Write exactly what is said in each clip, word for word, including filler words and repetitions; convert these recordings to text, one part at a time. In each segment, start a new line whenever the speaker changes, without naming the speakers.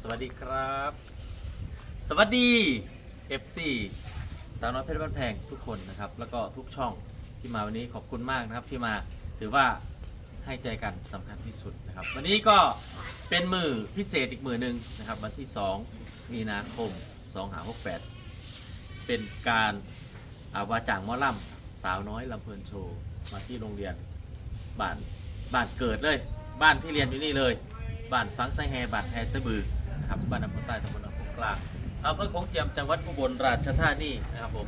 วัสดีครับสวัสดี เอฟ ซี สาวน้อยเพชรบ้านแพงทุกคนนะครับแล้วก็ทุกช่องที่มาวันนี้ขอบคุณมากนะครับที่มาถือว่าให้ใจกันสำคัญที่สุดนะครับวันนี้ก็เป็นมือพิเศษอีกมือหนึ่งนะครับวันที่สองมีนาคมสองห้าหกแปดเป็นการอาวาจ่างหมอลำสาวน้อยลำเพลินโชว์มาที่โรงเรียนบ้านบ้านเกิดเลยบ้านที่เรียนอยู่นี่เลยบ้านฟังไซแฮบ้านแฮสบือนะครับบ้านอำเภอใต้ตำบลอำเภอกลางอำเภอโขงเจียมจังหวัดอุบลราชธานีนะครับผม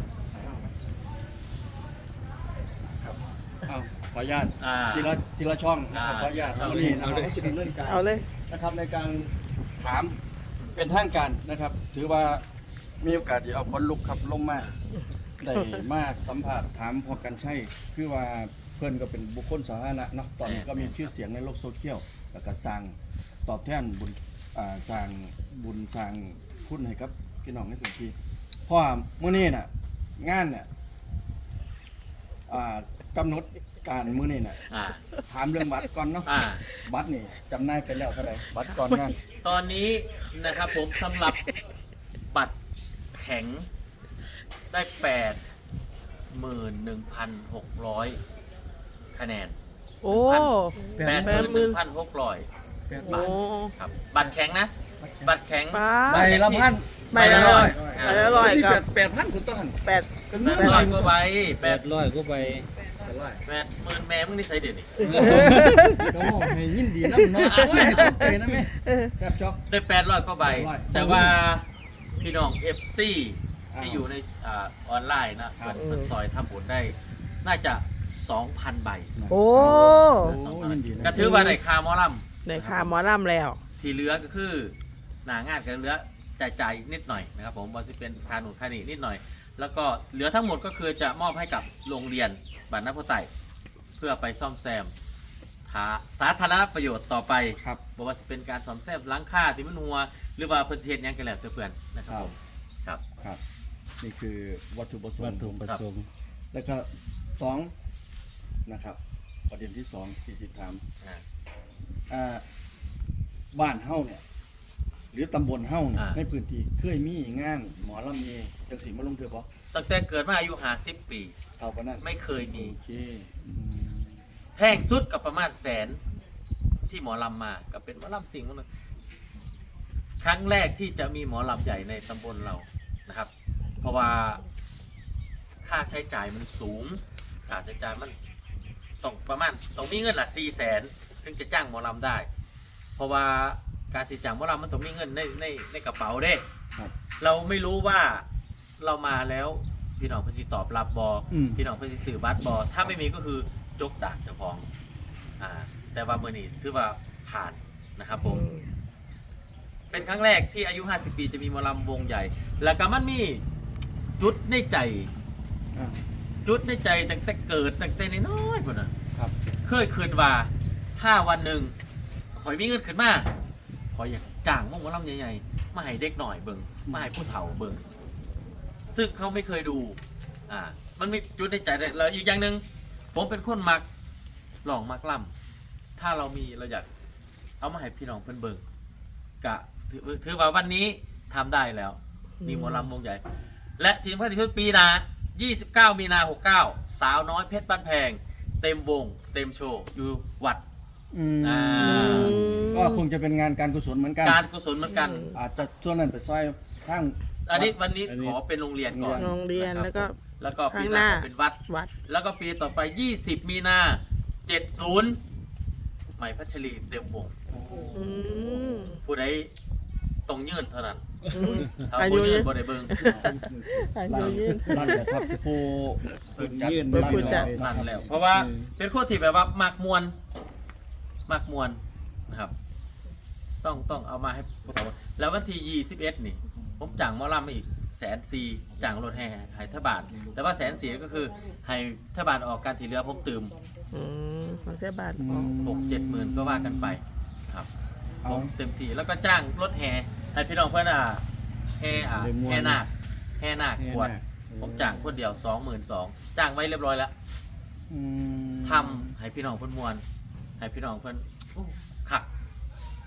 เอาขออนุญาต
อ่า
ทีละทีละช่องนะ
อ่า
ขออนุญาต
ช่อง
วันนี้นะครับก็จะดำเนินการ
เอาเลย
นะครับในการถามเป็นทางการนะครับ ถือว่ามีโอกาสที่เอาคนลุกครับลงมาได้มาสัมผัสถามพอกันใช่คือว่าเพื่อนก็เป็นบุคคลสาธารณะเนาะตอนนี้ก็มีชื่อเสียงในโลกโซเชียลแล้วก็สร้างตอบแทนบุญอ่าสร้างบุญสร้างคุณให้กับพี่น้องในพื้นที่เพราะว่ามื้อนี้น่ะงานเนี่ยอ่ากำหนดการมื้อนี้น่ะ
อ่า
ถามเรื่องบัตรก่อนเนาะ
อ่า
บัตรนี่จำหน่ายไปแล้วเท่าไหร่บัตรก่อนงาน
ตอนนี้นะครับผมสำหรับบัตรแข็งได้แปดหมื่นหนึ่งพันหกร้อยคะแนน
โอ้
แปดหมื่นหนึ่งพันหกร้อย
โอ้
ครับบัตรแข็งนะ บัตรแข็ง
ป้า
ใบละพัน
ใบละร้อย
อ่า
ใบละร้อย
ที่
กับ
แปดพันคุณต้น
แปด
กัน
แป
เมื่อ
ด
ไห
ร้อ
ร่
ยกว่าใบแปด
ร้อยก็ไป
แปดหมื่นแม่มึงนี่ใส่เดือนนี่
โอ้ให้ยินดีนะเนาะโอ้ยให้ตกใจนะแม่แคบช็อก
ได้แปดร้อยกว่าใบ
แปดร้อย
แต่ว่าพี่น้อง เอฟ ซี
อ่า
ที่อยู่ในอ่าออนไลน์นะ
ครั
เปิ
บ
ดเปิดซอยทำบุญได้ น่าจะ สองพัน ใบ
โอ้
โอ้ยินดีนะ
ก็ถือว่าได้คาหมอล
ในคาหมอลำแล้ว
ำที่เหลือก็คือหนางานกันเหลือจ่ายๆนิดหน่อยนะครับผมว่าจะเป็นคาหนุนคานีนิดหน่อย แล้วก็เหลือทั้งหมดก็คือจะมอบให้กับโรงเรียนบ้านน้ำพุไตเพื่อไปซ่อมแซมทาสาธารณประโยชน์ต่อไป
ครับ
บอกว่าจะเป็นการซ่อมแซมหล้างคาที่มันหัว หรือว่าเพื่อนเฮ็ดหยังกันแล้วแต่เพื่อนนะครับผมครับ
ครับนี่คือวัตถุประส
วัต
งค์
ถุประสงค์
แล้วก็สองนะครับประเด็นที่สองที่สิถาม
อ่า
อ่าบ้านเฮาเนี่ยหรือตำบลเฮาเนี่ย
อ่า
ในพื้นที่เคยมีงานหมอลำเยจังสีมาลงเถื่อปะ
ตั้งแต่เกิดมาอายุห้าสิบปี
เอาปะนั่น
ไม่เคยมี
โอเคอืม
แพงสุดกับประมาณแสนที่หมอลำมากับเป็นหมอลำสิ่งมันงครั้งแรกที่จะมีหมอลำใหญ่ในตำบลเรานะครับ เพราะว่าค่าใช้จ่ายมันสูงค่าใช้จ่ายมันต้องประมาณต้องมีเงินละสี่แสนถึงจะจ้างหมอลำได้ เพราะว่าการที่จ้างหมอลำมันต้องมีเงินในในในกระเป๋าเด้
ครับ
เราไม่รู้ว่าเรามาแล้วพี่น้องเพื่อนสิตอบรับบอ
อืม
พี่น้องเพื่อนสิสื่อบัตรบอถ้าไม่มีก็คือจกดักเจ้าของอ่าแต่ว่าเมื่อนี้ถือว่าผ่านนะครับผม เป็นครั้งแรกที่อายุ ห้าสิบ ปีจะมีหมอลำวงใหญ่ แล้วก็มันมีจุดในใจ
อ่า
จุดในใจตั้งแต่เกิดตั้งแต่น้อยๆพุ่นน่ะ
ครับ
เคยคืนว่าถ้าวันหนึ่งขอยมีเงินขึ้นมาขอยอยากจ้างวงหมอลำใหญ่ๆมาให้เด็กหน่อยเบิ่งมาให้ผู้เฒ่าเบิ่งซึ่งเขาไม่เคยดูอ่ามันมีจุดในใจเลยแล้วอีกอย่างหนึ่งผมเป็นคนมักลองมักล่ำถ้าเรามีเราอยากเอามาให้พี่น้องเพิ่นเบิ่งกะถือถือว่าวันนี้ทำได้แล้ว มีหมอลำวงใหญ่ และทีมพัฒน์ที่ปีหนายี่สิบเก้า มีนาหกสิบเก้า สาวน้อยเพชรบ้านแพง เต็มวง เต็มโชว์ อยู่วัด
อืม
อ่า
ก็คงจะเป็นงานการกุศลเหมือนกัน
การกุศลเหมือนกัน
อาจจะช่วงนั้นไปซอยข้าง
อันนี้วันนี้
อันนี้
ขอเป็นโรงเรียนก่อน
โรงเรียน
นะคบ
แล้วก็
แล้วก็ปี
ข้าง
ห
ห
น้า
น้า
เป็นวัด
วัด
แล้วก็ปีต่อไป ยี่สิบ มีนาเจ็ดสิบ ใหม่พัชรีเต็มวง
อืม
ผู้ใดตรงยืนเท่านั้น ถ้า
อายุ
ผู้ยื
ยื
น
น
บ่ได้เบิ่ง
อา
ร้า
ยุ
น
ยืน
ร้านเดี๋ยวครับผู้
เพิ่นยื่น
ร้า
ผู้จัด
นั่นแล้ว เพราะว่าเป็นคนที่แบบว่ามักมวนมักมวนนะครับ ต้องต้องเอามาให้พวกเราแล้ววันที่ยี่สิบเอ็ดนี่ ผมจ่างหมอลำมาอีกแสนสี่จ่างรถแห่ให้ทบาทแต่ว่าแสนสี่ก็คือให้ทบาทออกการที่เหลือผมตื่ม
อืมมันแค่บาท
อื
ออก
ม
หกเจ็ดหมื่นก็ว่ากันไปครับ
เอา
ผมเต็มที่แล้วก็จ้างรถแห่ให้พี่น้องเพื่อนอ่ะแห่อ่ะแห่นาคแห่นาคบวชผมจ้างคนเดียวสองหมื่นสองจ้างไว้เรียบร้อยแล้ว
อืม
ทำให้พี่น้องเพื่อนมวลให้พี่น้องเพื่อนโอ้ขัก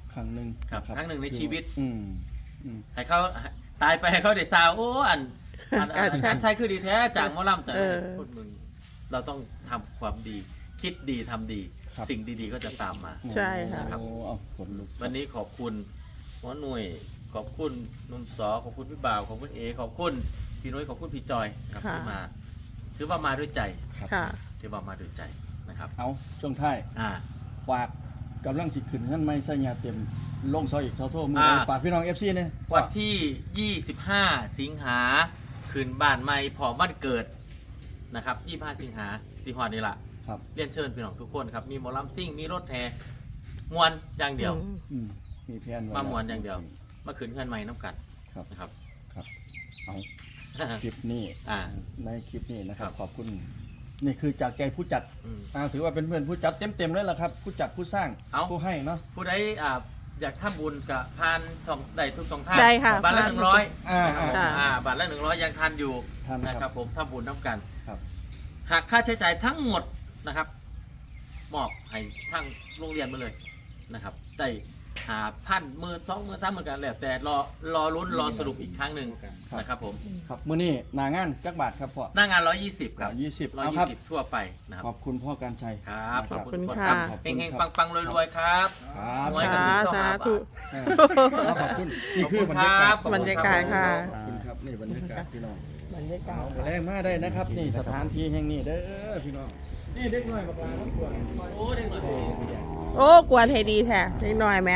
ครั้งหนึ่ง
ครับ
นะ
ครั้งหนึ่งในชีวิต
อืมอืม
ให้เขาตายไปให้เขาได้ซาวโอ้อันอันอัน
การใช้
การใช้คือดีแท้จากหมอลำจาก
เออ
พูดมึงเราต้องทำความดี คิดดีทำดี
ครับ
สิ่งดีๆก็จะตามมา
ใช่ค่ะ
โอ้เอาขนลุก
วันนี้ขอบคุณหมอหน่วย ขอบคุณนุ่มสอขอบคุณพี่บ่าวขอบคุณเอขอบคุณพี่นุ้ยขอบคุณพี่จอยนะครับ
ค่ะ
ที่มาถือว่ามาด้วยใจ
ครับ
ค่ะ
ถือว่ามาด้วยใจนะครับ
เอาช่วงท้าย
อ่า
ฝากกำลังสิขึ้นเงินไม่ใส่ยาเต็มลงซอยอีกเท่าโทษมือ
อ่า
ฝากพี่น้อง เอฟ ซี เนี่ย
วันที่ ยี่สิบห้า สิงหาคืนบ้านใหม่พร้อมวันเกิดนะครับ ยี่สิบห้า สิงหาสีหอดนี่แหละ
ครับ
เรียนเชิญพี่น้องทุกคนครับ มีหมอลำซิ่ง มีรถแห่มวนอย่างเดียว
อืม
อืมมีแผนไว้
มาม่วนอย่างเดียว มาคืนเงินใหม่น้ำกัน
ครับ
นะครับ
ครับเอาคลิปนี้
อ่า
ในคลิปนี้นะครับ
ครับ
ขอบคุณ นี่คือจากใจผู้จัด
อืม
อ่าถือว่าเป็นเพื่อนผู้จัดเต็มๆเลยล่ะครับ ผู้จัดผู้สร้าง
เอ้า
ผู้ให้เนาะ
ผู้ใดอ่าอยากทำบุญกับพานช่องใดทุกช่องทาง
ได้ค่ะ
บาทละ
พาน
หนึ่งร้อย
อ่า
นะครับผม
อ่า
อ่าบาทละหนึ่งร้อยยังทันอยู่
ทันครับ
นะครับผมทำบุญน้ำกัน
ครับ
หากค่าใช้จ่ายทั้งหมดนะครับมอบให้ทั้งโรงเรียนมาเลยนะครับได้หาพันหมื่นสองหมื่นสามหมื่นกันแล้วแต่รอรอลุ้นรอสรุปอีกครั้งหนึ่งนะครับผม
ครับมื้อนี้หนางานจักบาทครับพ่อ
หน้างานร้อยยี่สิบครับ
ยี่สิบ
ร้อย
เอา
ยี่
ครับ
สิบทั่วไปนะครับ
ขอบคุณพ่อการชัย
ครับ
นะ
ขอบคุณ
ขอบคุณ
ทุกคน
ค่ะ
ครับเฮงๆปังๆรวยๆครับ
ครับ
ไว้กับ
สา
คุณเจ้า
สา
หา
ธุ
เออขอบคุณนี่คือบรรยากาศ
ขอบคุณครับ
บรรยากาศค่ะ
ขอบคุณครับนี่บรรยากาศพี่น้อง
บรรยากาศ
เอาแรงมาได้นะครับ นี่สถานที่แห่งนี้เด้อพี่น้องนี่เด็กน้อยบักลาน้ำกวน
โอ้เด็กหน่อย
โอ้กวนให้ดีแท้นิดหน่อยไหม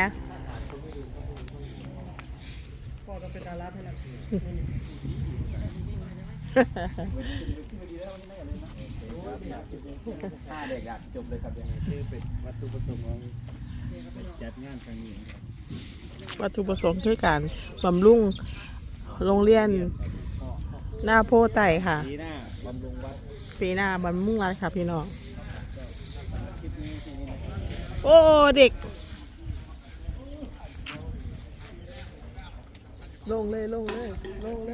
พ่อก็เป็นดาราเท่านั้น ถ้าเด็กอยากจบเลยครับยังคือเป็นวัตถุประสงค์ของจัดงานครั้งนี้ครับ
วัตถุประสงค์คือการบำรุงโรงเรียนหน้าโพไต่ค่ะ
ปีหน้าบำรุงวัด
ปีหน้าบำรุงรัฐค่ะพี่น้อง โอ้เด็ก ลงเลยลงเลยลงเลย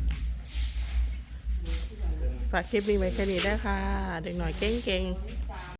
ฝากคลิปนี้ไว้แค่นี้ได้ค่ะ เด็กหน่อยเก่งๆ